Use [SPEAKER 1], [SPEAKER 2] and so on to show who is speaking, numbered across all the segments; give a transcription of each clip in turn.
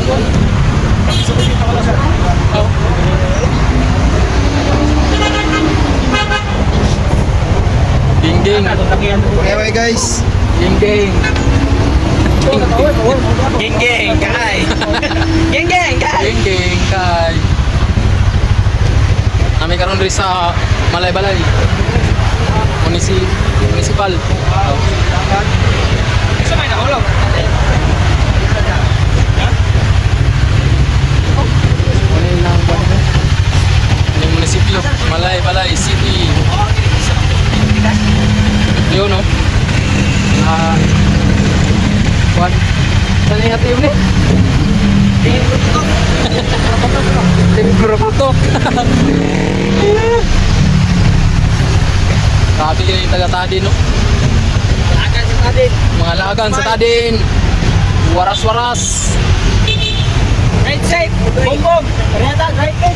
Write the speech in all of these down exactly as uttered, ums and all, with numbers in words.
[SPEAKER 1] Ding ding.
[SPEAKER 2] Okay guys.
[SPEAKER 1] Ding ding.
[SPEAKER 3] Geng geng kay. Geng geng kay.
[SPEAKER 1] Ding ding kay. Kami karon diri sa Malay-Balay. Munisi municipal.
[SPEAKER 3] Sa may nahulog.
[SPEAKER 1] Ano lang ba nito? Yung munisipyo, Malay-Balay City. Yun no. Ah. Kuan. Saan yung hati yun eh? Tingin ko Sabi yung taga-Tadin no?
[SPEAKER 3] Akan sa tadin.
[SPEAKER 1] Mga lagan sa Tadin. Waras-waras.
[SPEAKER 3] Right side. Bom bom. Ternyata right side.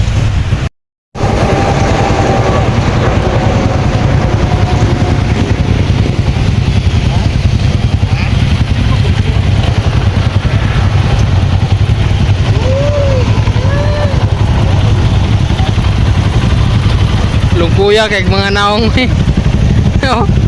[SPEAKER 1] Lungkuya kay mga naong eh. Oh.